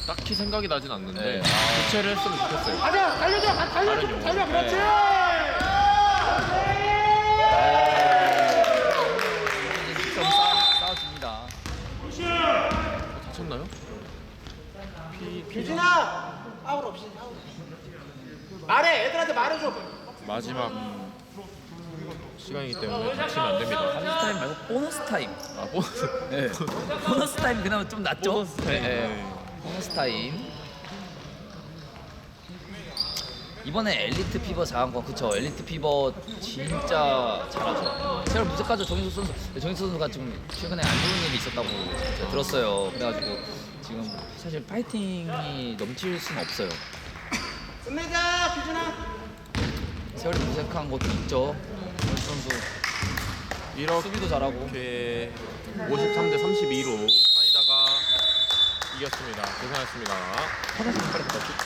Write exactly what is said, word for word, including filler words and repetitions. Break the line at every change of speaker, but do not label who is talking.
딱히 생각이 나진 않는데
네. 아.
교체를 했으면 좋겠어요.
가자, 달려줘, 가- 달려, 좀 달려, 그렇지.
좀 싸, 싸워줍니다.
다쳤나요? 피, 피
유진아, 아웃 없이, 아웃 없이. 말해, 애들한테 말해줘.
마지막 시간이기 때문에 다치면 안 됩니다.
보너스 타임 말고 보너스 타임.
아 보너스.
네. 보너스 타임 그나마 좀 낫죠?
보너스 타임.
네, 네.
네.
보너스 타임. 이번에 엘리트 피버 잘한 건 그쵸. 엘리트 피버 진짜 잘하죠. 제가 무색하죠. 정인수 선수. 정인수 선수가 좀 최근에 안 좋은 일이 있었다고 제가 들었어요. 그래가지고 지금 사실 파이팅이 넘칠 수는 없어요.
끝내자, 규진아.
세월이 무색한 것도 있죠. 정인수 선수
이렇게
수비도 잘하고.
오십삼 대 삼십이로 사이다가 이겼습니다. 고생하셨습니다.
화장실 빨리 갔다 올게.